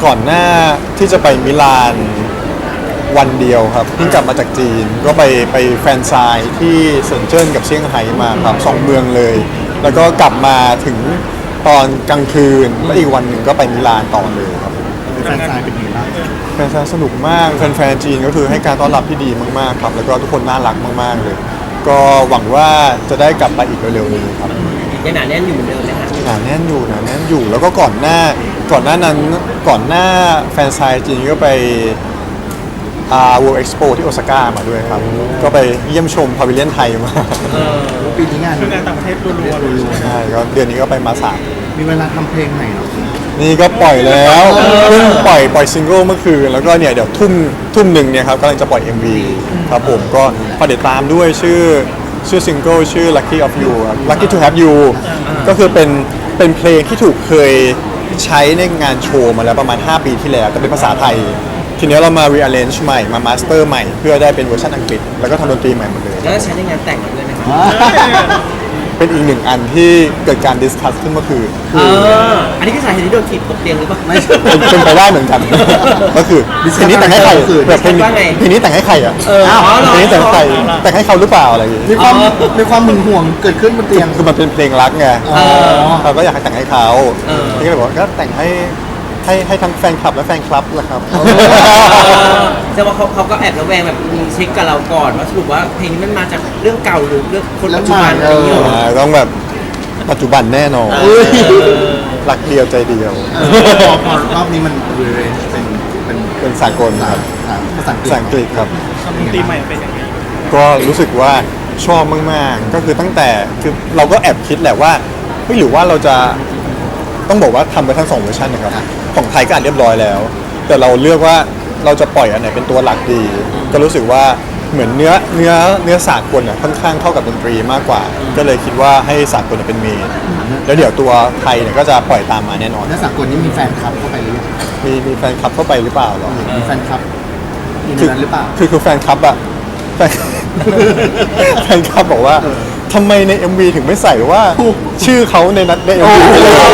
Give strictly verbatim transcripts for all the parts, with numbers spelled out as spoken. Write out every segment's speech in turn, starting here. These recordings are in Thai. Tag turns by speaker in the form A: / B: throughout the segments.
A: ก่อนหน้าที่จะไปมิลานวันเดียวครับเพิ่งกลับมาจากจีนก็ไปไปแฟนไซน์ที่เซินเจิ้นกับเซี่ยงไฮ้มาครับสองเมืองเลย แล้วก็กลับมาถึงตอนกลางคืนแล้วอีกวันหนึ่งก็ไปมิลานต่อเลยครับ
B: แฟนซายเป็นยังไงบ้าง
A: แฟนไซน์สนุกมากแฟนๆจีนก็คือให้การต้อนรับที่ดีมากๆครับแล้วก็ทุกคนน่ารักมากๆเลย ก็หวังว่าจะได้กลับไปอีกเร็วๆนี้ครับ
C: ยังหนาแน่นอยู่เหมือนเดิมไหมคะ
A: หนาแน่นอยู่หนาแน่นอยู่แล้วก็ก่อนหน้าก่อนหน้านั้นก่อนหน้าแฟนไซน์จีนก็ไปอ่า World Expo ที่โอซาก้ามาด้วยครับ ก็ไปเยี่ยมชมพาวิเลียนไทยมา
C: เออ
B: ปีนี้งาน
D: คืองานต่างประเทศรัวๆเลย
A: ใช่ก็เดือนนี้ก็ไปมาสาม
B: มีเวลาทำเพลงใหม่เหรอ
A: นี่ก็ปล่อยแล้วเพิ่งปล่อยปล่อยซิงเกิลเมื่อคืนแล้วก็เนี่ยเดี๋ยวทุ่มทุ่มหนึ่งเนี่ยครับกำลังจะปล่อย เอ็ม วี ครับผมก็ฝากติดตามด้วยชื่อชื่อซิงเกิลชื่อ Lucky of You ครับ Lucky to Have You ก็คือเป็นเป็นเพลงที่ถูกเคยใช้ในงานโชว์มาแล้วประมาณ ห้า ปีที่แล้วแต่เป็นภาษาไทย ทีนี้เรามา rearrange ใหม่มา master ใหม่ เพื่อได้เป็นเวอร์ชันอังกฤษ แล้วก็ทำดนตรีใหม่หมดเลย
C: แล้วก็ใช้ในงานแต่งด้วยไหมคะ
A: เป็นอีกหนึ่งอันที่เกิดการ discuss ขึ้นเมื่อคืน
C: เอออันนี้คือสาเหตุที่โดนถีบตกเตียงหรือเปล่าไม่
A: เป็นเป็นไปได้เหมือนกัน ก็คือเพลงนี้แต่งให้ใครแบบเพลงนี้
C: ว่าไง
A: เพลงนี้แต่งให้ใครอ่ะ
C: เอออ๋อเหรอ
A: เพลงนี้แต่งให้ใครแต่งให้เขาหรือเปล่าอะไรอย่างงี้
B: มีความมีความหึงหวงเกิดขึ้นบนเตียง
A: คือมันเป็นเพลงรักไง
C: เออ
A: เราก็อยากให้แต่งให้เขา
C: เออ
A: พี่ก็เลยบอกว่าก็แต่งให้ให้ให้ทั้งแฟนคลับและแฟนคลับแหละครับ
C: แต่ว่าเขาเขาก็แอบระแวงแบบมีเช็คกับเราก่อนว่าสรุปว่าเพลงนี้มันมาจากเรื่องเก่าหรือเรื่องคนปัจจุบันอะไรอย่างเงี้ยเหรอ
A: อ่าต้องแบบปัจจุบันแน่นอน
C: เออ
A: รักเดียวใจเดียว
B: เออพอพอรอบนี้มันรีเรนเป็นเป็น
A: เป็นสากลครับ
B: ภาษาอังกฤษ
A: ภาษาอังกฤษครับ
D: ทำดนตรีใหม่เป็นยังไง
A: ก็รู้สึกว่าชอบมากๆ ก็คือตั้งแต่คือเราก็แอบคิดแหละว่าเฮ้ยหรือว่าเราจะต้องบอกว่าทำไปทั้งสองเวอร์ชันนะครับของไทยก็อัดเรียบร้อยแล้ว แต่เราเลือกว่าเราจะปล่อยอันไหนเป็นตัวหลักดี ก็รู้สึกว่าเหมือนเนื้อเนื้อเนื้อสากลอ่ะค่อนข้างเข้ากับดนตรีมากกว่า ก็เลยคิดว่าให้สากลเป็นเมนแล้วเดี๋ยวตัวไทยเนี่ยก็จะปล่อยตามมาแน่นอน
B: แล้วสากลนี้มีแฟนคลับเข้าไปหรือยัง
A: มีมีแฟนคลับเข้าไปหรือเปล่าหรอ
B: มีแฟนคลับมีใน
A: คือ
B: นั้นหรือเปล่า
A: คือคือแฟนคลับอะแฟน แฟนคลับบอกว่าทำไมใน เอ็ม วี ถึงไม่ใส่ว่าชื่อเขาในนัดใน เอ็ม วี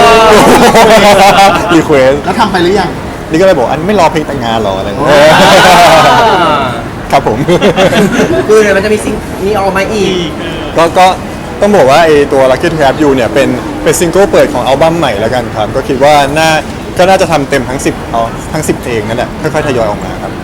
A: รีเควส
B: แล้วทำไปหรือยัง
A: นี่ก็เลยบอกอันไม่รอเพลงแต่งงานหรออะไรอย่างเงี้ยครับผม
C: คือเดี๋ยวมันจะมีสิ่งนี้ออกมาอีก
A: ก็ก็ต้องบอกว่าไอตัว Lucky to Have You เนี่ยเป็นเป็นซิงเกิลเปิดของอัลบั้มใหม่แล้วกันครับ ก็คิดว่าน่าก็น่าจะทำเต็มทั้งสิบเอาทั้งสิบเพลงนั่นแหละค่อยๆทยอยออกมาครับ